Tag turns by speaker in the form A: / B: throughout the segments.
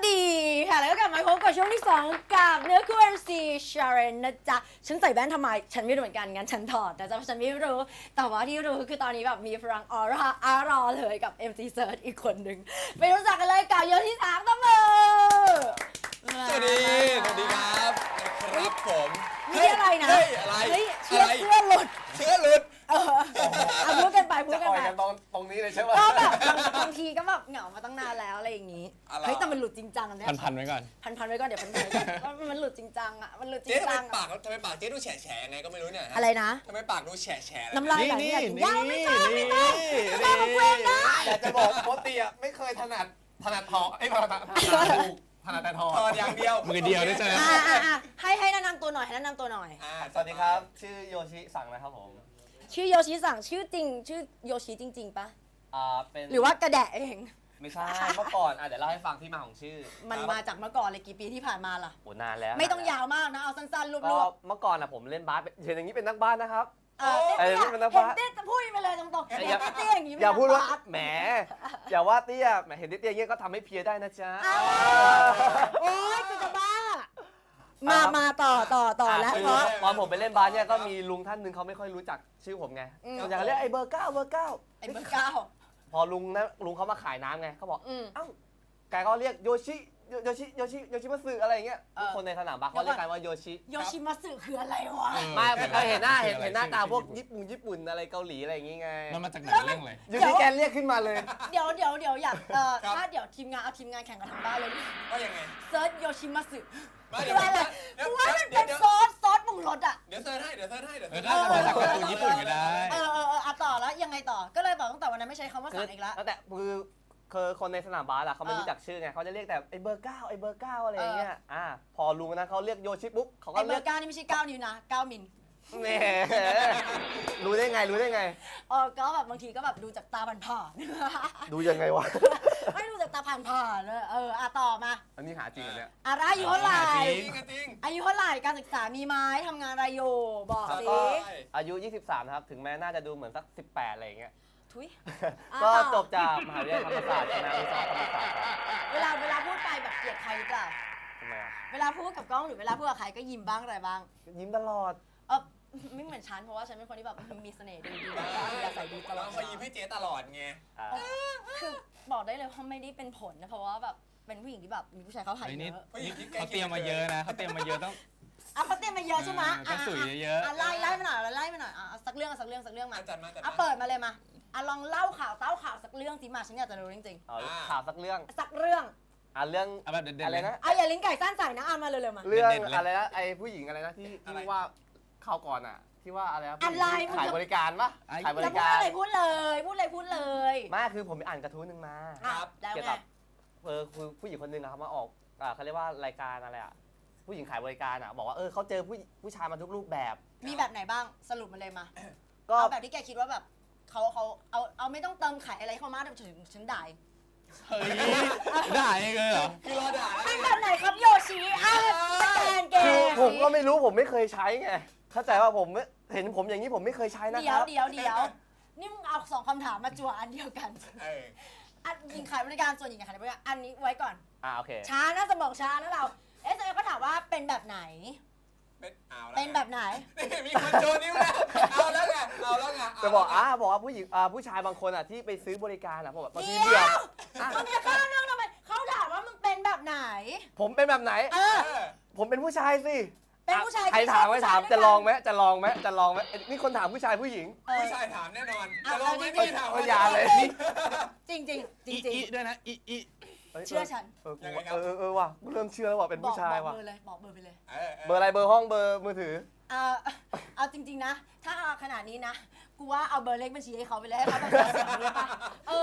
A: ดีค่ะแล้วก็กลับมาพบกับช่วงที่ 2กับเนื้อคู่ MC ชาเรนนะจ๊ะฉันใส่แว่นทำไมฉันไม่รู้เหมือนกันงั้นฉันถอดแต่ฉันไม่รู้แต่ว่าที่รู้คือตอนนี้แบบมีพลังออร่าเลยกับ MC Search อีกคนหนึ่งไปรู้จักกันเลยกับโยที่3ตั้งมือ
B: สวัสดีครับครับผม
A: นี่อะไรนะ
B: เฮ้ยอะไร
A: เฮ้ยเสื้อหลุด
B: เสื้อหลุด
A: พูดกันไปพูด
C: จะ
A: กัน
C: อ่อย
A: ไป
C: กันตรงนี้เลยใช่ไหม
A: ก็แบบบางทีก็แบบเหงามาตั้งนานแล้วอะไรอย่างงี้เฮ้ยแต่มันหลุดจริงจังอันเนี้ย
D: พันไว้ก่อน
A: พันไว้ก่อนเดี๋ยวพันไว้ก่อนว่ามันหลุดจริงจังอ่ะมันหลุดจริ
B: เจ๊
A: ง
B: ทำไม
A: จัง
B: ปากทำไมปากเจ๊ดูแฉะไงก็ไม่รู้เนี่ย
A: อะไรนะ
B: ทำไมปากดูแฉะ
A: น้ำลายไหลเนี่ยยังไม่ใช่ไม่ใช่ของเวงนะ
C: อยากจะบอกโคติอ่ะไม่เคยถนัดทองไอ้ถนัดแต่ทอง
B: ถอดอย่างเดียว
D: มือเดียวด้วยใช่ไหม
A: ให้แนะนำตัวหน่อยให้แนะนำตัวหน่อย
C: สวัสดีครับชื่อโยชิสั่งนะครับผม
A: ชื่อโยชิสั่งชื่อจริงชื่อโยชิจริงๆปะ
C: เป็น
A: หรือว่ากระแดะเอง
C: ไม่ใช่เมื่อก่อนเดี๋ยวเล่าให้ฟังที่มาของชื่อ
A: มันมาจากเมื่อก่อนเลยกี่ปีที่ผ่านมาล่ะ
C: โอ้นานแล้ว
A: ไม่ต้องยาวมากนะเอาสั้นๆรว
C: ก็
A: บ
C: เมื่อก่อนผมเล่นบาสเห็นอย่างนี้เป็นนักบาสนะครับ
A: ๆเต้
C: นี่เป็นนัก
A: เห็น
C: บาส
A: เต้จะพูดไปเลยตรงๆเห็นเต้อย่างนี้
C: อย่าพูดว่าแหมอย่าว่าเตี้ยแหมเห็นเตี้ยอย่างเงี้ยก็ทำให้เพียได้นะจ๊ะ
A: โอ๊ยกูจะบ้ามาต่อแล้วเพราะ
C: ตอนผมไปเล่นบาสเนี่ยก็มีลุงท่านหนึ่งเขาไม่ค่อยรู้จักชื่อผมไงเขาอยากเรียกไอ้เบอร์เก้า
A: ไอ้เบอร์เก้า
C: พอลุงเขามาขายน้ำไงเขาบอกเอ้าแกก็เรียกโยชิมัตสึอะไรอย่างเงี้ยทุกคนในสนามบาสเขาเรียกกันว่าโยชิ
A: โยชิมัตสึคืออะไรวะ
C: ไม่เคยเห็นหน้าตาพวกญี่ปุ่นอะไรเกาหลีอะไรอย่างงี้ไง
D: มันมาจากไหนเรื่องเลย
C: อยู่ที่แกเรียกขึ้นมาเลย
A: เดี๋ยวอยากถ้าเดี๋ยวทีมงานเอาทีมงานแข่งกันทางบ้านเลย
B: ว่ายังไง
A: เซิร์ชโยชิมัตสึ
B: เดี๋
A: คืออะไรกูว่ามันเป็นซอสปรุงรสอ่ะ
B: เดี๋ยวเซิร์ชให้
D: ก็จะมาจากการ์ตูนญี่ปุ่นก็ได้
A: ต่อแล้วยังไงต่อก็เลยบอกตั้งแต่วันนั้นไม่ใช้คำว่าสั่งอีกแล้ว
C: แต่คือคนในสนามบาสอะเขาไม่รู้จักชื่อไงเขาจะเรียกแต่ไอ้เบอร์เก้าอะไรอย่างเงี้ยพอลุงนั้นเขาเรียกโยชิปุ๊บเขาก็
A: ไอ้เบ
C: เรี
A: อย
C: ก
A: ร์9นี่ไม่ใช่9นิ้วนะ9มิล
C: แหมรู้ได้ไง
A: ก็แบบบางทีก็แบบดูจากตาผ่าน
C: ดูยังไงวะ
A: ๆไม่ดูจากตาผ่านๆเลยต่อมา
C: อันนี้หาจริงเหรอเนี่ย
A: อะไรอายุเท่าไหร่
B: จริง
A: อายุเท่าไหร่การศึกษามีไหมทำงานอะไรอยู่บอกสิ
C: ก็อายุ 23 นะครับ ถึงแม้น่าจะดูเหมือนสัก 18 อะไรอย่างเงี้ย
A: ทุย
C: ก็จบจากมหาวิทยาลัยธรรมศาสตร์คณะวิศวกรรมศาสตร์ครับ
A: เวลาพูดไปแบบเกลียดใครหรือเปล่า
C: ทำไมอ่ะ
A: เวลาพูดกับกล้องหรือเวลาพูดกับใครก็ยิ้มบ้างอะไรบ้าง
C: ยิ้มตลอด
A: ไม่เหมือนฉันเพราะว่าฉันเป็นคนที่แบบมีเสน่ห์ดีแบบอยากใส่ดีตลอ
B: เรา
A: ด
B: คอยยิ้มให้เจ๊ตลอดไง
A: คือบอกได้เลยว่าไม่ได้เป็นผลนะเพราะว่าแบบเป็นผู้หญิงที่แบบมีผู้ชายเขาหาย
D: ไอ้
A: เย
D: นี่
A: อะ
D: เขาเตรียมมาเยอะนะเขาเตรียมมาเยอะต้อง
A: เขาเตรียมมาเยอะใช่ไหม
D: ก็สุยเยอะ
A: ไล่มาหน่อยสักเรื่องมา
B: จัดมา
A: เปิดมาเลยมาลองเล่าข่าวเต้าข่าวสักเรื่องสิมาฉันอยากจะรู้จริง
C: เอาข่าวสักเรื่อง
A: ๆสักเรื่อง
C: เรื่อง
D: เอาแบบเด่นๆ
C: อะไร
D: เลย
C: นะ
A: อย่าลิ้นไก่สั้นใส่นะมาเร็วๆมา
C: เรื่อง
D: เด่นๆเลย
C: อะไรนะไอ้ผู้หญิงอะไรนะที่ว่าข่าวก่อนอ่ะที่ว่าอะไรนะ
A: อะไร
C: ขายบริการปะขายบ
A: จะ
C: ริ
A: พูด
C: การ
A: อะไรพูดเลย
C: ไม่คือผมไปอ่านกระทู้หนึงมา
A: แล้ว
C: เกี่ยว
A: ไง
C: กับคือผู้หญิงคนหนึ่งอะเขามาออกเขาเรียกว่ารายการอะไรอะผู้หญิงขายบริการอะบอกว่าเขาเจอผู้ชายมาทุกรูปแบบ
A: มีแบบไหนบ้างสรุปมาเลยมา
C: ก็
A: เอาแบบที่แกคิดว่าแบบเขาเอาไม่ต้องเติมไข่อะไรเข้ามาแต่ฉันด่า
D: เฮ้ยได้เลยเหรอ
B: คือรอด่า
A: เป็นแบบไหนครับโยชิสแกนเก
C: คือ
A: ม
C: ผมก็ไม่รู้ผมไม่เคยใช้ไงเข้าใจว่าผมเห็นผมอย่างนี้ผมไม่เคยใช้นะค
A: เดี๋ย
C: รั
A: ว
C: บ
A: นี่มึงเอา2คำถามมาจั่วอันเดียวกันหญิงขายบริการส่วนหญิงขายบริการอันนี้ไว้ก่อน
C: โอเค
A: ช้านะสมองช้านะเราก็ถามว่าเป็นแบบไหน เป็นแบบไหน
B: มีคนโชว์นิ้วแล้วเอาแล้วไง
C: จะบอกว่าผู้หญิงผู้ชายบางคนอะที่ไปซื้อบริการอะผมแบบบางที
A: เดี๋
C: เบื่อ
A: ยวมึงจะข้ามเรื่องทำไมเขาถามว่ามึงเป็นแบบไหน
C: ผมเป็นแบบไหน ผมเป็นผู้ชายสิ
A: เป็นผู้ชาย
C: ใครถามไม่ถามจะลองไหมนี่คนถามผู้ชายผู้หญิง
B: ผู้ชายถามแน่นอนจะลองไม่ถาม
C: อย่าเลย
A: จริง
D: อีด้วยนะอี
A: เชื่อฉัน
C: ว่ะกูเริ่มเชื่อแล้วว่ะเป็นผู้ชายว่ะ
A: บอกเบอร์ไปเลย
C: เบอร์อะไรเบอร์ห้องเบอร์มือถือ
A: เอาจริงๆนะ ถ้าเอาขนาดนี้นะ กูว่าเอาเบอร์เลขบัญชีให้เขาไปเลยให้เขาแบบเสียงเลยป่ะ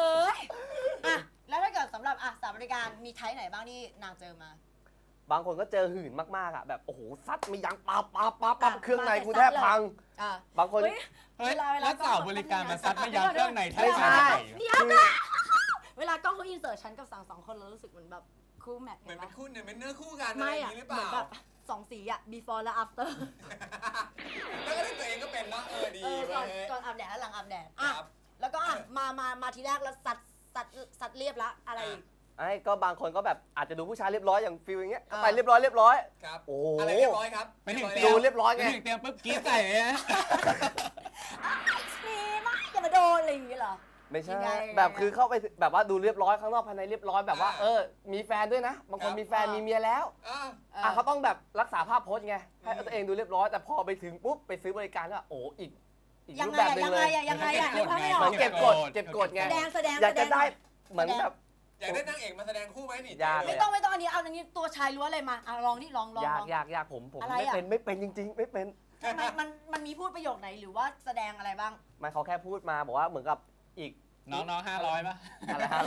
A: แล้วถ้าเกิดสำหรับสาวบริการมีไทป์ไหนบ้างที่นางเจอมา
C: บางคนก็เจอหื่นมากๆอ่ะแบบโอ้โหซัดไม่ยั้งปั๊บเครื่องในกูแทบพังบางคน
D: เฮ้ยแล้วสาวบริการมาซัดไม่ยั้งเครื่องในแทบ
C: ไม่ใช่
A: เดี๋ยวนะเวลากล้องเขาอินเสิร์ตฉันกับสั่ง2คนเรารู้สึกเหมือนแบบคู่แมท
B: เหมือนเป็นคู่เนี่ยเป็นเนื้อคู่กัน
A: ไม่
B: อย่างนี้หรือเปล่า
A: เหมือนแบบ2 สีbefore และ after
B: แล้วก็ได้ตัวเองก็เป็นว่าดี
A: ก่อนอาบแดดและหลังอาบแดดแล้วก็มาทีแรกแล้วสัดเรียบละอะไรอีก
C: ไอ้ก็บางคนก็แบบอาจจะดูผู้ชายเรียบร้อยอย่างฟิลอย่างเงี้ยก็ไปเรียบร้อย
B: ครับ
C: โอ้
B: อะไรเรียบร้อยครับ
D: ไปถึง
C: ดูเรียบร้อย
D: ไป
C: ไง
D: ถึงเตรียมปุ๊บกรี๊ดใส่เลยนะ
A: มีมากอย่ามาโดนอะไรอย่างงี้เหรอ
C: ไม่ใช่
A: ยังไง
C: แบบคือเข้าไปแบบว่าดูเรียบร้อยข้างนอกภายในเรียบร้อยแบบว่า
B: อ่า
C: มีแฟนด้วยนะ บางคนมีแฟนมีเมียแล้ว
B: อ่า
C: เขาต้องแบบรักษาภาพโพสไงให้ตัวเองดูเรียบร้อยแต่พอไปถึงปุ๊บไปซื้อบริการก็อีก
A: ยั
C: รู
A: ง
C: ป
A: ไง
C: แบบหนึ
A: ยัง ง
C: เล
A: ไง
C: ย
A: ยังไงนึกภาพไม่อ
C: เห
A: อ
C: มื
A: ก
C: อนเก็บกดไง
A: แสดง
C: อยากจะได้เหมือนแบบ
B: อยากได้นางเอกมาแสดงคู่ไหมนี่
C: อยาก
A: ไม่ต้องอันนี้เอาอันนี้ตัวชายล้วนเลยมาลองนี่ลอง
C: อยากผม
A: อะไร
C: ไม่
A: อะ
C: เป็นจริงๆ ไม่เป็น
A: มันมีพูดประโยคไหนหรือว่าแสดงอะไรบ้าง
C: ไม่เขาแค่พูดมาบอกว่าเหมือนกับอีก
D: น้อง500ป่ะ
C: อะไรฮะ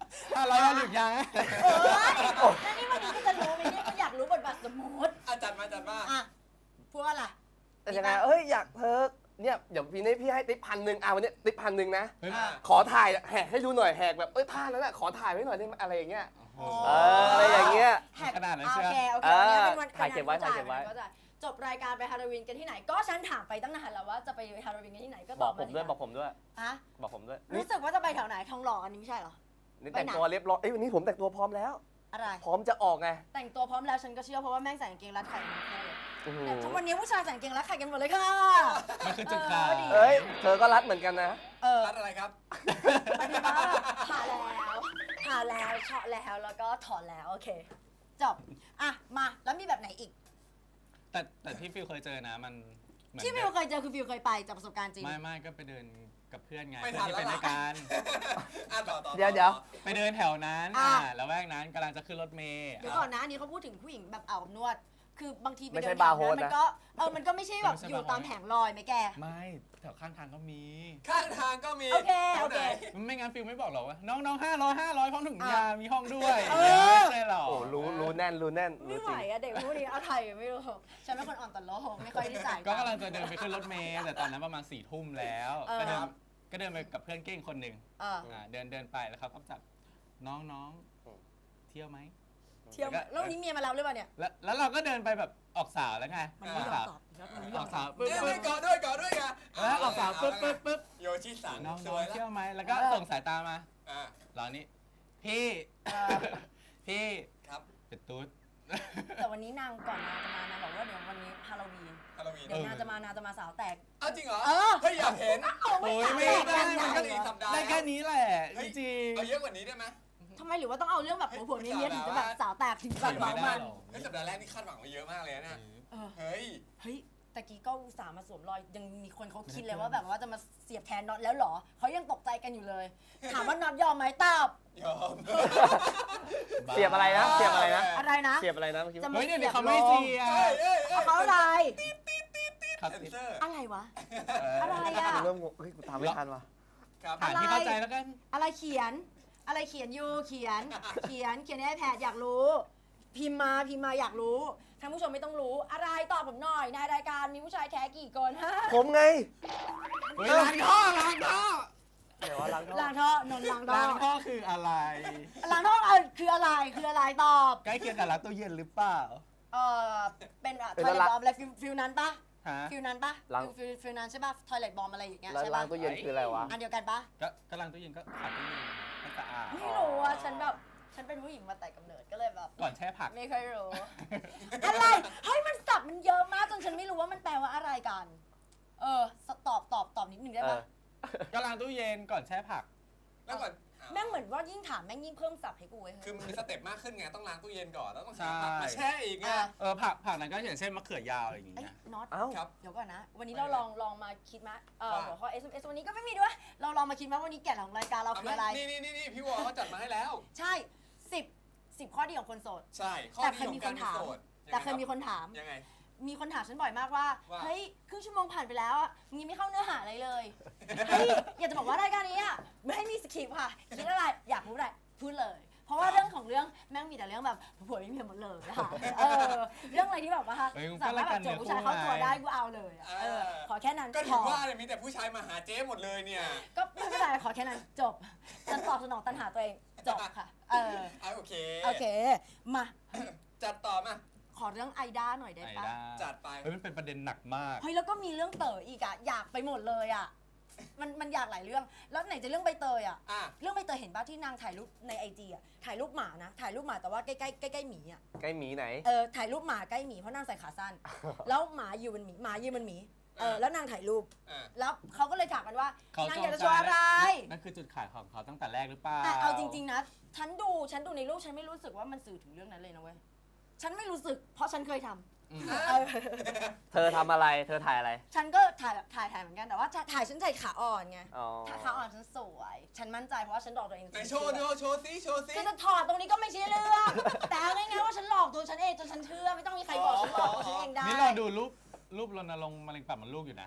D: 500แล้วหรือยัง
A: แล้วนี่วันนี้ก็จะรู้ไหมเนี่ยก็อยากรู้บทบาทสมมติ
B: จัดมา
A: อ่ะพูดว่าอะไร
C: แต่ยังไงอยากเธอเนี่ยเดี๋ยวพี่นี้พี่ให้ติ๊บ1,000วันนี้ติ๊บ1,000นะ
D: เฮ้ย
C: ขอถ่ายแหกให้ดูหน่อยแหกแบบท่านั้นขอถ่ายไว้หน่อยได้ไหมอะไรอย่างเงี้ย
D: โอ้โห
C: อะไรอย่างเงี้ย
D: ขนาดนั้น
A: โอ
D: เชียว
A: เคโอเคอันนี้เป็นวัน
C: ถ่ายเก็บไว้ถ่ายเก็บไว้
A: จบรายการไปฮาโลวีนกันที่ไหน ก็ฉันถามไปตั้งนานแล้วว่าจะไปฮาโลวีนกันที่ไหนก็
C: บ
A: ต
C: อ
A: อก บ
C: ผมด้วยบอกผมด้วย
A: อะ
C: บอกผมด้วย
A: รู้สึกว่าจะไปแถวไหนทองหล่ออันนี้ไม่ใช่เหรอ
C: นี่แต่งตัวเรียบร้อยวันนี้ผมแต่งตัวพร้อมแล้ว
A: อะไร
C: พร้อมจะออกไง
A: แต่งตัวพร้อมแล้วฉันก็เชื่อเพราะว่าแม่งใส่กางเกงรัดไข่ทั้งคู่เลย
C: อื้อหื
A: แต่
C: อ
A: ทุกวันนี้ผู้ชายใส่กางเกงรัดไข่กันหมดเลยค่ะ
D: มันคือจุดขาย
A: ดี
C: เอ้ยเธอก็รัดเหมือนกันนะ
B: รัดอะไรครับ
A: ปฏิบัติผ่าแล้วเฉาะแล้วก็ถอดแล้วโอเคจบอ่ะมาแล้วมีแบบไหนอีก
D: แต่ที่ฟิลเคยเจอนะมันเหมือน
A: ที่ฟิวเคยเจอคือฟิวเคยไปจากประสบการณ์จริง
D: ไม่ก็ไปเดินกับเพื่อนไง
B: ไม่
D: เพื่อนที่เป็น
B: ทันแล้ว
D: รายการ
B: ต่อ
C: เดี๋ยว
D: ไปเดินแถวนั้น
A: อ่ะ
D: แล้วแวกนั้นกำลังจะขึ้นรถเมล์
A: เดี๋ยวก่อนนะอันนี้เขาพูดถึงผู้หญิงแบบอาบอบนวด คือบางทีไป
C: ไม่
A: เดิ
C: ใช่
A: นแถว
C: บาร์โฮส
A: นั้น
C: นะ
A: มันก็มันก็ไม่ใช่แบบอยู่ตามแผงลอยไหมแก
D: ไม่แถวข้างทางก็มี
B: ข้างทางก็มี
A: โอเค
B: แถวไหน
D: ไม่งั้นฟิลไม่บอกหรอกว่าน้อง500พร้อมถุงยามีห้องด้วย
A: เออ
D: ไม่ใช่หรอก
C: โอ้รู้แน่นรู้
A: ไม่ไหว
C: จริง
A: อะเด็กพวกนี้เอาไทยไม่รู้ฉันเป็นคนอ่อนต่อโลกไม่ค่อยได้จ่าย
D: ก็กำลังจะเดินไปขึ้นรถเมล์แต่ตอนนั้นประมาณ4 ทุ่มแล้ว ก็เดินไปกับเพื่อนเก้งคนหนึ่ง เดินไปแล้วเขาก็จับน้องเที่ยวไหม
A: เที่ยวแล้ววันนี้เมียมารับหรือเปล่าเนี่ย
D: แล้วเราก็เดินไปแบบออกสาวแล้วไง
A: มัน
D: อ
A: ไม่
D: อก
A: ยอ
D: สาม ว
A: ตอบมันไม่ย
D: อ
A: อ
D: อ
A: ม
D: ก
A: ต
D: สา
A: อบ
D: วปุ๊บ
B: ก่อนด้วยไง
D: แล้วออกสาวปุ๊บ
B: โยชิสัง
D: น้อง
B: สวยแล้ว
D: เที่ยวไหมแล้วก็ส่งสายตามาเรานี่พี่
B: ครับ
D: เป็นตุ๊ด
A: แต่วันนี้นางก่อนนางจะมานางบอกว่าเดี๋ยววันนี้ฮาโลวีน
B: ฮาโลวีน
A: เดี๋ยวนางจะมาสาวแตก
B: อ้าวจริงเหรอ
A: เออ
B: เฮ้ยอยากเห็น
D: โอ้ยไม่ได้มันก็
B: อีกสัปดาห์
D: ได้แค่นี้แหละจริง
B: เอาเยอะกว่านี้ได้ไหม
A: ทำไมหรือว่าต้องเอาเรื่องแบบผัวๆเนี้ยถึงจะแบบสาวแตกถึงแบบเมามัน
B: เฮ้ยสัปดาห์แรกนี่คาดหวังไว้เยอะมากเลยนะ เฮ้ย
A: เฮ้ยตะกี้ก็อุตส่าห์มาสวมรอยยังมีคนเขาคิดเลยว่าแบบว่าจะมาเสียบแทนน็อตแล้วเหรอเขายังตกใจกันอยู่เลย ถามว่าน็อตยอมไหมตอบ
B: ยอม
C: เสียบอะไรนะเสียบอะไรนะ
A: อะไรนะ
C: เสียบอะไรนะเมื่อกี้
A: จะ
D: เฮ้ยเดี๋ยวนี้เขาไม่เสีย
A: เขาอะไร
D: ครับ
B: เซนเซอร์
A: อะไรวะ อะไรอะ
C: เริ่มงงเฮ้ยกูตามไม่ทันว่ะ
B: ครับ
D: ฐานที่เข้าใจแล้วกัน
A: อะไรเขียน อะไรเขียนอยู่เขียนในไอแพดอยากรู้ พิมพ์มาอยากรู้ท่านผู้ชมไม่ต้องรู้อะไรตอบผมหน่อยในรายการมีผู้ชายแท้กี่คนฮะ
C: ผมไง
D: เฮ้ยล้างท่อ
C: เดี๋ยวว่าล้างท่อ
A: ล้างท่อนนล้างท่อ
D: ล้างท่อคืออะไร
A: ล้างท่อคืออะไรตอบ
D: ใกล้เคียงกับล้างตู้เย็นหรือเปล่า
A: เป็นทอยเล็ตบอมอะไรฟิลนั้นปะ
D: ฮะ
A: ฟิลนั้นปะฟิลนั้นใช่ปะทอยเล็ตบอมอะไรอย่างเงี้ย
C: แล้ว
A: ใช่
C: ล้า
A: ปะ
C: งตู้เย็นคืออะไรวะ
A: อันเดียวกันปะ
D: ก็ล้างตู้เย็นก็ขัดตู้เย็นให้สะอาด
A: ไม่รู้อ่ะฉันแบบฉันเป็นผู้หญิงมาแต่กำเนิดก็เลยแบบ
D: ก่อนแช่ผัก
A: ไม่ค่อยรู้ อะไรเฮ้ยมันสับมันเยอะมากจนฉันไม่รู้ว่ามันแปลว่าอะไรกัน ตอบนิดนึงได้ปะ
D: ก็ล้างตู้เย็นก่อนแช่ผัก
B: แล้วก่อน
A: แม่งเหมือนว่ายิ่งถามแม่งยิ่งเพิ่มสับให้กูเว้ย
B: คือมันมีสเต็ปมากขึ้นไงต้องล้างตู้เย็นก่อนแล้วต้อง
D: ใช่
B: หาผักมาแช่อีกไง
D: ผักนั้นก็อย่างเช่นมะเขือยาวอะไรอย่าง
A: ไอ้
D: เงี้ย
A: น็อต
C: เอ้า
B: ครับ
A: เดี๋ยวก่อนนะ วันนี้เราลองมาคิดมา
B: ว่า
A: หัวข้อ SMS วันนี้ก็ไม่มีด้วย เราลองมาคิดว่าวันนี้แก่นของรายการเราคืออะไร
B: นี่พี่วอเขาจัดมาให้แล้ว
A: ใช่10ข้อดีของคนโสด
B: ใช่ข้อ
A: แต่
B: ดี
A: เคย
B: ขอ
A: มี
B: ง
A: ค
B: การ
A: น
B: มี
A: ถาม
B: โสด
A: แต่เคยมีคนถาม
B: ยังไง
A: มีคนถามฉันบ่อยมากว่า
B: ว่า
A: เฮ้ยครึ่งชั่วโมงผ่านไปแล้วอ่ะมึงยังไม่เข้าเนื้อหาอะไรเลยเฮ้ยอยากจะบอกว่ารายการนี้อ่ะไม่ให้มีสคริปต์ค่ะคิดอะไรอยากรู้อะไรพูดเลย เพราะว่าเรื่องของเรื่องแม่งมีแต่เรื่องแบบผัวไม่มีหมดเลยนะคะเรื่องอะไรที่แบบว่าสามารถแบบโจทย์ผู้ชายเข้าตัวได้กูเอาเลยอะขอแค่นั้น
B: ก็
A: พ
B: ถึ
A: อง
B: ว่าเลยมีแต่ผู้ชายมาหาเจ๊หมดเลยเนี่ย
A: ก็ไม่เป็นไรขอแค่นั้นจบฉันตอบสนองตัณหาตัวเองจบค่ะ
B: โอเค
A: โอเคมา
B: จัดต่อมา
A: ขอเรื่องไอด้าหน่อยได้
D: ไอ้
A: ปะ
D: ด้า
B: จัดไป
D: เฮ้ยมันเป็นประเด็นหนักมาก
A: เฮ้ยแล้วก็มีเรื่องเต๋ออีกอะอยากไปหมดเลยอะมันอยากหลายเรื่องแล้วไหนจะเรื่องใบเตยอ่ะ
B: อ่ะ
A: เรื่องใบเตยเห็นป่ะที่นางถ่ายรูปในไอจีอ่ะถ่ายรูปหมานะถ่ายรูปหมาแต่ว่าใกล้ๆหมีอ่ะ
C: ใกล้หมีไหน
A: ถ่ายรูปหมาใกล้หมีเพราะนางใส่ขาสั้น แล้วหมาอยู่บนหมีหมายืนบนหมีแล้วนางถ่ายรูป
B: อ่ะ
A: แล้วเขาก็เลยถามกันว่า
D: เขา
A: นาง
D: จ
A: อยาก
D: ง
A: จะ
D: ใจ
A: โชว์อะไร
D: นั่นคือจุดขายของเขาตั้งแต่แรกหรือเปล่า
A: แต่เอาจริงๆนะฉันดูในรูปฉันไม่รู้สึกว่ามันสื่อถึงเรื่องนั้นเลยนะเว้ยฉันไม่รู้สึกเพราะฉันเคยทำ
D: อืม
A: เออ
C: เธอทำอะไร เธอถ่ายอะไร
A: ฉันก็ถ่ายแบบถ่ายเหมือนกันแต่ว่าถ่ายฉันถ่ายขาอ่อนไง
C: อ๋อ
A: ขาอ่อนฉันสวย ฉันมั่นใจเพราะว่าฉันหลอกตัวเอง
B: ไหนโชว์ดูโชว์ซิโชว์ซิ
A: คือจะถอดตรงนี้ก็ไม่ใช่เรื่องแต่เอาง่ายๆว่าฉันหลอกตัวฉันเองจนฉันเชื่อไม่ต้องมีใครบอกฉันหลอกตัวฉันเองได้
D: นี่เราดูรูปรณรงค์มะเร็งปากมดลูกอยู่นะ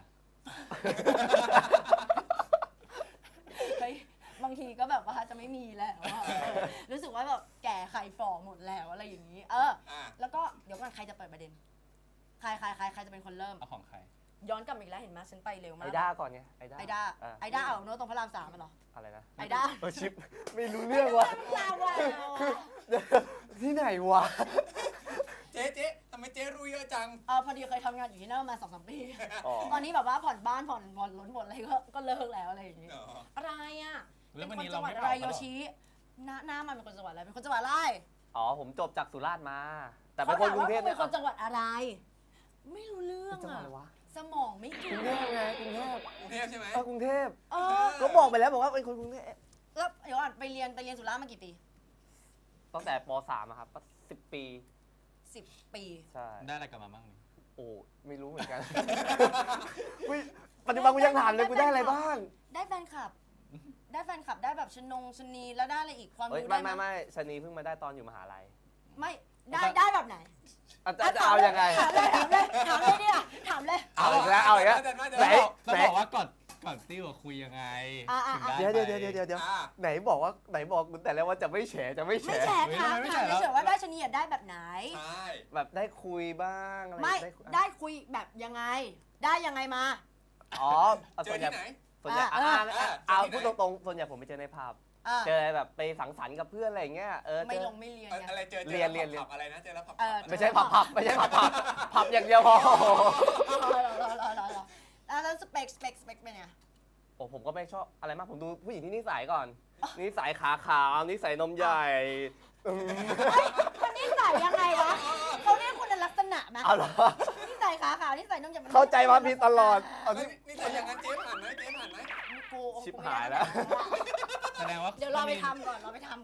A: เฮ้ยบางทีก็แบบว่าจะไม่มีแล้วอะรู้สึกว่าแบบแก่ไข่ฝ่อหมดแล้วอะไรอย่างนี้
B: อ่ะ
A: แล้วก็เดี๋ยวก่อนใครจะเปิดประเด็นใครจะเป็นคนเริ่ม
D: เอาของใคร
A: ย้อนกลับมาอีกแล้วเห็นไหมฉันไปเร็วมา
C: ไอก ด้าก่อนไง ไอด้า
A: ไอด้า
C: อ่ะ
A: ไอด้าเอาโน้ตตรงพระราม3มันเหรอ
C: อะไรนะ
A: ไอด้า
C: ชิป ไม่รู้เรื่องว่ะ
A: ลาวะ
C: ที่ไหนวะ
B: เจ๊ทำไมเจ๊รู้เยอะจัง
A: พอดีเคยทำงานอยู่ที่นั่นมา2-3 ปี
C: อ๋อ
A: ตอนนี้แบบว่าผ่อนบ้านผ่อนรถหมดอะไรก็เลิกแล้วอะไรอย่างนี้
B: อ๋อ
A: อะไรอ่ะ
D: แล้ววัน
A: เป็น
D: นี้
A: คนจั
D: เรา
A: งหวัด
D: ไม่
A: อะไร
D: เผา
A: โย
D: เขาหรอ
A: ชิหน้ามันเป็นคนจังหวัดอะไรเป็นคนจังหวัดอะไร
C: อ๋อ ผมจบจากสุราษฎร์มา แต่เป็นคนกรุงเทพ
A: เขาถามว่า
C: เนี่ย
A: เป็นคนจังหวัดอะไร ไม่รู้เรื่อง
C: จังหวัด
A: อ่ะ
C: อะไรวะ
A: สมองไม่
C: ก
A: ถึ
C: รุ
A: ง
C: งเทพไง กรุงเทพ
B: กรุงเทพใช่ไหม
C: กรุงเทพ
A: เออ
C: ก็บอกไปแล้วบอกว่าเป็นคนกรุงเทพ
A: แล้วเดี๋ยวก่อนไปเรียนสุราษฎร์มากี่ปี
C: ตั้งแต่ป .3 อะครับก็10 ปี
A: 10 ปี
C: ใช่
D: ได้อะไรกลับมาบ้างนี่
C: โอ้ ไม่รู้เหมือนกัน อุ๊ยปัจจุบันกูยังถามเลยกูได้อะไรบ้าง
A: ได้แฟนคลับ ได้แฟนคลับได้แบบชนีแล้วได้อะไรอีกความ
C: เอ้ย
A: รู้
C: ไม่
A: ได้ไหม
C: ไม่ชะนีเพิ่งมาได้ตอนอยู่มหาลัย
A: ไม่ได้แบบไหน
C: จะเอายังไง
A: ถามเลยเนี่ยถามเลย
C: เอาอีกแล้ว เอาอีกแล้ว ไหน
D: ต้องบอกว่าก่อนติ้วอะคุยยังไงถึงได้
C: เดี๋ยว
D: ไป
C: เดี๋ยว
B: อ่ะ
C: ไหนบอกคุณแต่แล้วว่าจะไม่แฉจะไม่แฉ
A: ไม่แฉค่ะ
D: ไม่
A: ถาม
D: แฉแล้ว
A: เฉยๆว่าได้ชนีได้แบบไหน
B: ใช่
C: แบบได้คุยบ้างอะไร
A: ไม่
C: ได้คุย
A: ได้คุยแบบยังไง ได้ยังไงมา
C: อ๋อ
B: เจ
C: ส่
B: อ
C: วนใหญ่
B: ที่ไหน
C: ส่วนใหญ่
A: เออ
C: เอา
B: เจอที่ไหน
C: พูดตรงๆส่วนใหญ่ผมไปเจอในผับ เจอแบบไปสังสรรค์กับเพื่อนอะไรอย่างเงี้ย
A: ไม่
C: เจอ
A: ลงไม่เรียนไง
B: อะไรเจอ
C: เรียน
B: ผับอะไรนะเจอแล้วผับ
C: ไม่ใช่ผับไม่ใช่ผับอย่างเดียวพอ
A: รอแล้วสเปคเป็นไง
C: โอ้ผมก็ไม่ชอบอะไรมากผมดูผู้หญิงที่นิสัยก่อน นิสัยขาขาวนิสัยนมใหญ่อืม
A: คนนิสัยยังไงวะเขาเรียกคุณลักษณะไหม
C: เอาเหรอ
A: นิสัยขาขาวนิสัยน้ำยำ
C: เข้าใจมาผิดตลอดเอา
B: นี่นี่แต่อย่างนั้นเจ๊ผ่านไหมเจ๊ผ่านไหม
A: กู
C: ชิบหายแล้ว
D: แสดงว่า
A: เดี๋ยวรอไปทำก่อน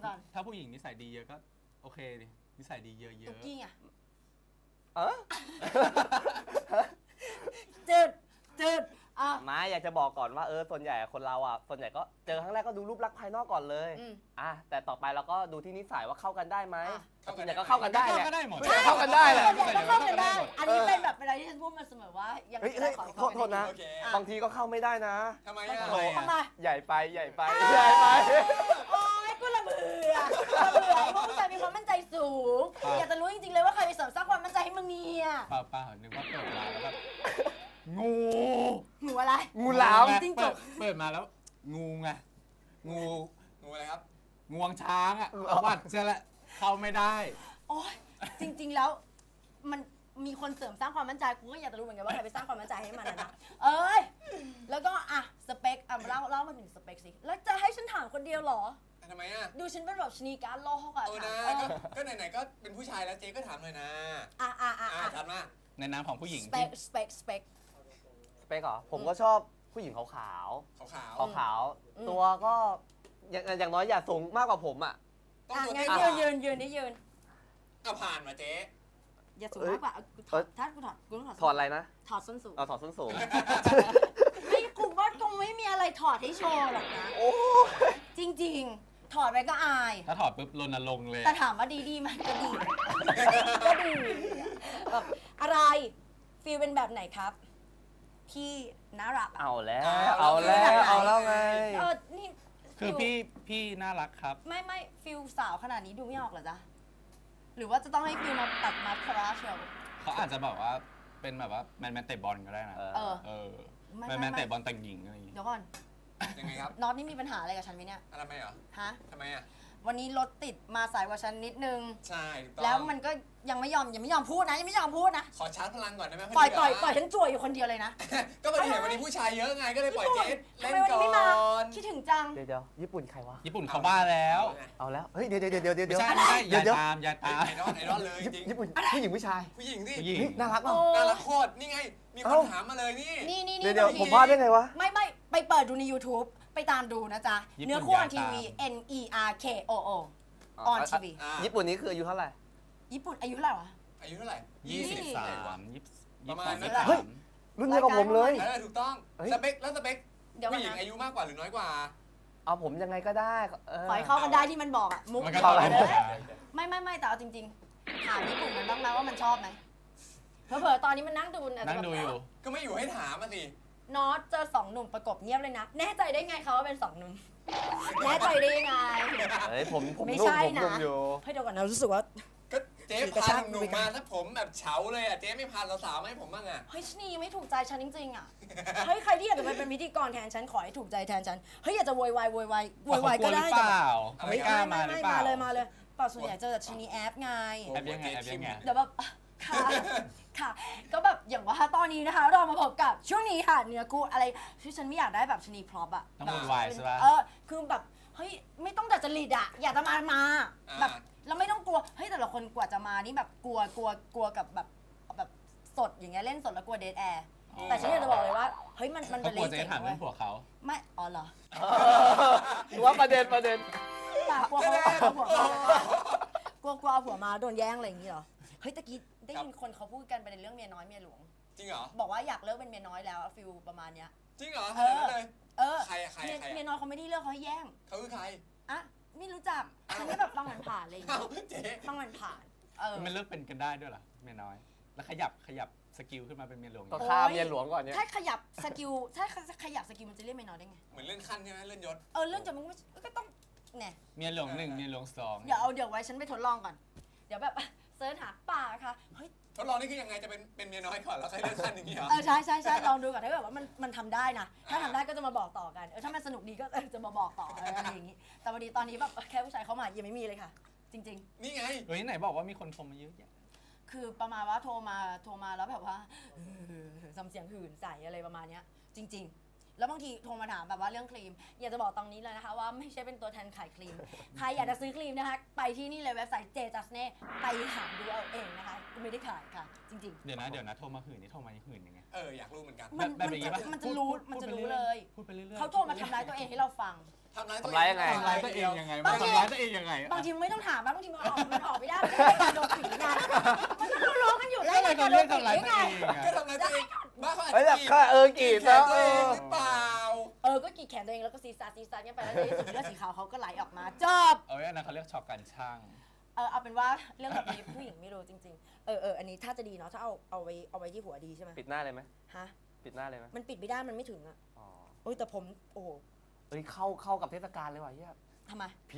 D: ถ้าผู้หญิงนิสัยดีเยอะก็โอเคดินิสัยดีเยอะ
A: ตุ๊กกี้อ่ะ
C: เออ
A: จืดอ่ะ
C: มาอยากจะบอกก่อนว่าส่วนใหญ่คนเราอ่ะส่วนใหญ่ก็เจอครั้งแรกก็ดูรูปลักษณ์ภายนอกก่อนเลย
A: อืม
C: แต่ต่อไปเราก็ดูที่นิสัยว่าเข้ากันได้ไหม
A: อ่ะ
C: ส่วนใหญ่ก็เข้ากัน
D: ๆ
C: ได้
D: เข้า
C: แหละ
D: ก็ได้หมด
C: เข้ากันได้แหละ
A: ส่วนใหญ่ก็เข้ากันได้ อันนี้เป็นแบบเวลาที่ฉันพูดมาเสมอว่ายัง
C: เฮ้ย
A: ไม่ได้ขอ
C: โทษนะ
B: โอเค
C: บางทีก็เข้าไม่ได้นะ
B: ทำไมอ่ะ
A: ทำไม
C: ใหญ่ไปใหญ่ไป
A: โอ๊ยกูระเบื่อพวกผู้ชายมีความมั่นใจสูง อยากจะรู้จริงๆเลยว่าใครไปเสริมสร้างความมั่นใจให้มึงเนี่ย
D: เปล่านึกว่าเปิดมาแล้วแบบงู
A: หนูอะไร
C: งูหลาม
A: จิ้งจก
D: เปิดมาแล้ว งูไงงู
B: งูอะไรครับ
D: งวงช้างอ่ะวัดเสียละเข้าไม่ได้
A: โอ๊ยจริงๆแล้วมันมีคนเสริมสร้างความมั่นใจกูก็อยากจะรู้เหมือนกันว่าใครไปสร้างความมั่นใจให้มันนะเอ้ยแล้วก็สเปคเล่ามาถึงสเปคสิแล้วจะให้ฉันถามคนเดียวเหรอ
B: ทำไมอ่ะ
A: ดูฉันเป็นแบบชนีการโลกอะ
B: โอ้
A: ถา
B: นะ
A: ม
B: ก็ไหนๆก็เป็นผู้ชายแล้วเจ๊ก็ถามเลยนะ ถามมา
D: ในนามของผู้หญิง
A: สเป
D: ที่
A: คสเปค
C: สเปคเหรอผมก็ชอบผู้หญิงขาว
B: ขาว
C: ขาวตัวก็อย่างน้อยอย่าสูงมากกว่าผมอ่ะ
B: ๆต้องตัว
A: งั้
B: เตี้
A: น
B: ย
A: ยืนนี่ยืน
B: เอาผ่านมาเจ๊
A: อย่าสูงมากกว่ากูถอดถ้ากูถอดกูต้อง
C: ถอดอะไรนะ
A: ถอดส้นสูง
C: เอาถอดส้นสูง
A: ไม่กูว่าคงไม่มีอะไรถอดให้โชว์หรอกนะ
C: โอ้
A: จริงๆ ถอดไปก็อาย
D: ถ้าถอดปุ๊บรณรงค์เลย
A: แต่ถามว่าดีไหมก็ดีแบบอะไรฟีลเป็นแบบไหนครับ พี่น่ารักอะ
C: เอาแล้วเอาแล้วไง
A: นี่
D: คือพี่น่ารักครับ
A: ไม่ฟิลสาวขนาดนี้ดูไม่ออกเหรอจ๊ะหรือว่าจะต้องให้ฟิลมาตัดมัดคาราเชียว
D: เขาอาจจะแบบว่าเป็นแบบว่าแมนเตะบอลก็ได้นะ
A: ไม่
D: แมนเตะบอลแต่งหญิงอะไรอย่างงี้
A: เดี๋ยวก่อน
B: ยังไงครับ
A: น็อตนี่มีปัญหาอะไรกับฉันไหมเนี่ย
B: ทำไมเหรอ
A: ฮะ
B: ทำไมอ่ะ
A: วันนี้รถติดมาสายกว่าฉันนิดนึง
B: ใช่ถูกต้อง
A: แล้วมันก็ยังไม่ยอมพูดนะยังไม่ยอมพูดนะ
B: ขอชาร์จพลังก่อนได้ไหม
A: ปล่อยฉันจ่วยอยู่คนเดียวเลยนะ
B: ก็พอดีเห็นวันนี้ผู้ชายเยอะไงก็เลยปล่อยเจส
A: ทำ
B: เล่น
A: ไมวัน
B: ก่
A: นี้
B: อ
A: ไม่มาน คิดถึงจัง
C: เดี๋ยวญี่ปุ่นใครวะ
D: ญี่ปุ่นเขาบ้าแล้ว
C: เอาแล้ว เฮ้ย เดี๋ยว
D: ไม่ใช่ไม่ใช่อย่าตามอย่าตาม
B: ไอดอลเลยจริง
C: ญี่ปุ่นผู้หญิงผู้ชาย
B: ผู้หญิงสิ
D: ผู้หญิง
C: เฮ้ยน่ารักเปล่า
B: น่ารักโคตรนี่ไง มีคนถามมาเลยนี่
A: นี่
C: เดี๋ยวผมพลาดได้ไงวะ
A: ไม่ไปเปิดดูใน YouTube ไปตามดูนะจ๊ะ
D: ญี่ปุ่น
A: เนื้อคู่ออน
D: อย่า
A: ที
D: ตาม
A: วี NERKOO ออนทีวี
C: ญี่ปุ่นนี้คืออายุเท่าไหร่
A: ญี่ปุ่นอายุเท่าไหร่วะ
B: อายุเท่าไหร่
D: 23
B: ประมาณนั้น
C: เฮ้ย รุ่นเดียวกับผมเลย
B: ถูกต้อง
C: เฮ้ย
B: สเปคแล้วสเปค
A: เดี๋ยวก่อ
B: ผู้
A: น
B: หญิง
A: นะ
B: อายุมากกว่าหรือน้อยกว่า
C: เอาผมยังไงก็ได้
A: ขอให้เข้ากันได้ที่มันบอกอะมุก
D: มันก็
C: เข้า
D: เข้า
C: กั
D: กัน น
A: เลยไม่แต่เอาจริงๆถามญี่ปุ่นมันบ้างไหมว่ามันชอบไหมเผลอๆตอนนี้มันนั่งดูะ
D: นั่งดูอยู่
B: ก็ไม่อยู่ให้ถามมาสิ
A: นอตเจอ2 หนุ่มประกบเงียบเลยนะ แน่ใจได้ไงเขาว่าเป็น2 หนุ่ม แน่ใจได้ยังไง
C: เฮ้ย ผม
A: ไม่
C: นุ่ม
A: ใช่
C: ผมนุ่ม
A: นะ
C: อยู่
A: ให้เดี๋ยวก่อนนะรู้สึกว่า
B: ก็เจ๊
A: กระ
B: พา
A: ชาก
B: หนุ่มๆมาถ้าผมแบบเฉาเลยอ่ะเจ๊ไม่พาสาวๆมาให้ผมบ้างอ่ะ
A: เฮ้ยชะนีไม่ถูกใจฉันจริงๆอ่ะ เฮ้ยใครที่อยากจะไปเป็นพิธีกรแทนฉันขอให้ถูกใจแทนฉัน เฮ้ยอยากจะโวยวายก็ได้
D: เปล่า
B: แต่
D: ไม่กล้ามาหรือเปล่า
A: มาเลยเปล่าส่วนใหญ่เจอแต่ชะนีแอปไง
D: แอบยังไงแอบยังไง
A: เดี๋ยวแบบค่ะ ก็แบบอย่างว่าตอนนี้นะคะ เรามาพบกับช่วงนี้ค่ะเนื้อคู่อะไรที่ฉันไม่อยากได้แบบชะนีพร็อพอะ
D: ต้องวุ่นวายใช่ปะ
A: คือแบบเฮ้ยไม่ต้องดัดจริตอะอยากจะมาแบบแล้วไม่ต้องกลัวเฮ้ยแต่ละคนกว่าจะมานี่แบบกลัวกับแบบสดอย่างเงี้ยเล่นสดแล้วกลัวเดทแอร์แต่ฉันอยากจะบอกเลยว่าเฮ้ยมัน
D: เขา
A: เป็น
D: กลัว
A: เล่น
D: จะ
A: เจ๋ง
D: ถาม
A: เว้
D: เรื่อย งผัวเขา
A: ไม่อ๋อเหรอ
C: หรือว่าประเด็น
A: แต่กลัวเขาเอาผัวมากลัวเอาผัวมาโดนแย่งอะไรอย่างงี้เหรอเฮ้ยตะกี้ได้ยินคนเขาพูดกันประเด็นเรื่องเมียน้อยเมียหลวง
B: จริงเหรอ
A: บอกว่าอยากเลิกเป็นเมียน้อยแล้วฟิลประมาณเนี้ย
B: จริงเหรอขนาดนั้นเลย ใครอะใคร
A: เมียน้อยเขาไม่ได้เลิกเขาให้แย่ง
B: เขาคือใคร
A: อะไม่รู้จักฉันก็แบบฟังผ่านๆอะไรอย่าง
B: เอ้า
A: เงี้ย
B: เจ๊
A: ฟังผ่านๆ
D: มันเลิกเป็นกันได้ด้วยเหรอเมียน้อย แล้วขยับสกิลขึ้นมาเป็นเมียหลวง
C: ก็ฆ่าเมียหลวงก่อนเนี่ย
A: ถ้าขยับสกิลถ้าขยับสกิลมันจะเรียกเมียน้อยได้ไง
B: เหมือนเลื่อนขั้นใช่ไหมเลื่อนยศ
A: เรื่องจะมันก็ต้องเนี่ย
D: เมียหลวง1เมียหลวง2
A: เดี๋ยวไว้ฉันไปทดลองก่อน เดี๋ยวแบบเซิร์ชหาป่าค่ะเฮ้ย
B: ทดลองนี่คือยังไงจะเป็นเมียน้อยก่อนแล้วค่อยเลื่อนขั้นอย่างนี้เหรอ
A: ใช่ลองดูก่อนถ้าเกิดว่ามันทำได้นะถ้าทำได้ก็จะมาบอกต่อกันถ้ามันสนุกดีก็จะมาบอกต่ออะไรอย่างงี้แต่พอดีตอนนี้แบบแค่ผู้ชายเข้ามายังไม่มีเลยค่ะ จริง
B: นี่ไง
D: เฮ้ยไหนบอกว่ามีคนโทรมาเยอะแยะ
A: ๆ คือประมาณว่าโทรมาแล้วแบบว่าทำเสียงหื่นใส่อะไรประมาณเนี้ยจริง ๆ แล้วบางทีโทรมาถามแบบว่าเรื่องครีมอยากจะบอกตรงนี้เลยนะคะว่าไม่ใช่เป็นตัวแทนขายครีมใครอยากจะซื้อครีมนะคะไปที่นี่เลยเว็บไซต์ J-Justne ไปหาดูเอาเองนะคะไม่ได้ขายค่ะจริงๆ
D: เดี๋ยวนะโทรมาหื่นนี่โทรมาหื่นยังไง
B: อยากรู้เหมือนกัน
D: แบบอย่างงี้ปะ
A: มันจะรู้เลย
D: พูดไปเรื่อยๆ
A: เขาโทรมาทำร้ายตัวเองให้เราฟัง
B: ทำร้าย
C: ทำร้ายยังไง
D: ทำร้ายตัวเองยังไง
A: บางที
D: ทำร้ายตัวเองยังไง
A: บางทีไม่ต้องถามบางทีมันออกไม่ได้มันเป็นการโดนผีนะมันก็รู้กันอยู่แล้ว
D: อะไรเขาเรียกทำร้ายตัวเอง
B: ก็ทำร้ายตัวเองบ้าเขาอาจ
C: เฮ้ย
B: จะ
C: แบบก็กรีด
B: แข
C: นะ
B: นตัวเองหรือเปล่า
A: ก็กรีดแขนตัวเองแล้วก็ซีซากันไปแล้วในที่สุดเลือดสีขาวเขาก็ไหลออกมาจบ
D: เอาไว้อันนั้นเขาเรียกช็อกกันช่าง
A: เอาเป็นว่าเรื่องแบบนี้ผู้หญิงไม่รู้จริงๆอันนี้ถ้าจะดีเนาะถ้าเอาไว้ที่หัวดีใช่ไหม
C: ปิดหน้าเลยไหม
A: ฮะ
C: ปิดหน้าเลยไหม
A: มันปิดไม่ได้มันไม่ถึงอ่ะ
C: อ๋อ
A: โอ้ยแต่ผมโอ้โห
C: เฮ้ยเข้ากับเทศกาลเลยว่ะเฮีย
A: ทำไม
C: ผี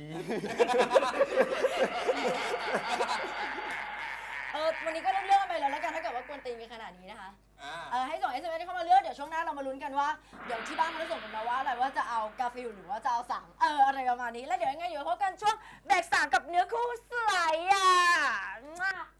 A: วันนี้ก็เรื่องไปแล้วกันถ้าเกิดว่ากวนตีนกันขนาดนี้นะคะให้ส่ง SMS เข้ามาเลือกเดี๋ยวช่วงหน้าเรามาลุ้นกันว่าเดี๋ยวที่บ้านมันจะส่งกันมาว่าอะไรว่าจะเอากาฟิลหรือว่าจะเอาสั่งอะไรประมาณนี้แล้วเดี๋ยวยังไงเดี๋ยวพบกันช่วงแบกสามกับเนื้อคู่สไลด์